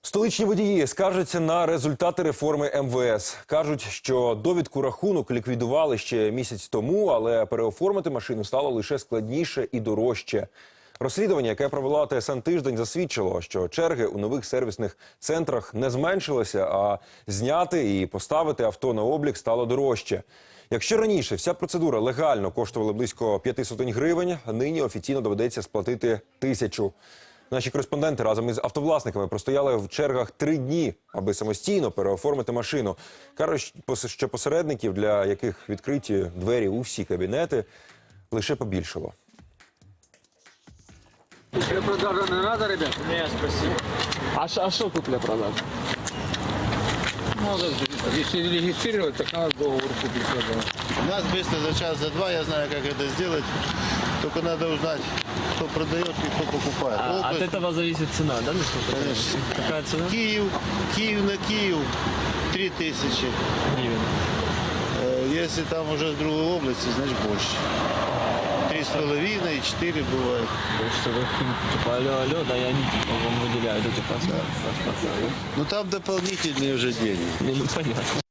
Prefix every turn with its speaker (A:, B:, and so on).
A: Столичні водії скаржаться на результати реформи МВС. Кажуть, що довідку рахунок ліквідували ще місяць тому, але переоформити машину стало лише складніше і дорожче. Розслідування, яке провела ТСН «Тиждень», засвідчило, що черги у нових сервісних центрах не зменшилися, а зняти і поставити авто на облік стало дорожче. Якщо раніше вся процедура легально коштувала близько 500 гривень, нині офіційно доведеться сплатити 1000. Наші кореспонденти разом із автовласниками простояли в чергах 3 дні, аби самостійно переоформити машину. Кажуть, що посередників, для яких відкриті двері у всі кабінети, лише побільшало.
B: Купля-продажа не надо, ребят?
C: Нет, спасибо.
B: А что купля-продажа? Надо, если регистрировать, так надо договор купли-продажи.
D: У нас быстро за час, за два, я знаю, как это сделать. Только надо узнать, кто продает и кто покупает.
C: От этого зависит цена, да?
D: Конечно.
C: Какая цена?
D: Киев на Киев 3000.
C: Гривен.
D: Если там уже с другой области, значит больше. 3,5 и 4 бывает.
C: То есть, что вы, типа, алло, да, и они типа, вам выделяют эти паспорта.
D: Ну там дополнительные уже деньги.
C: Ну, понятно.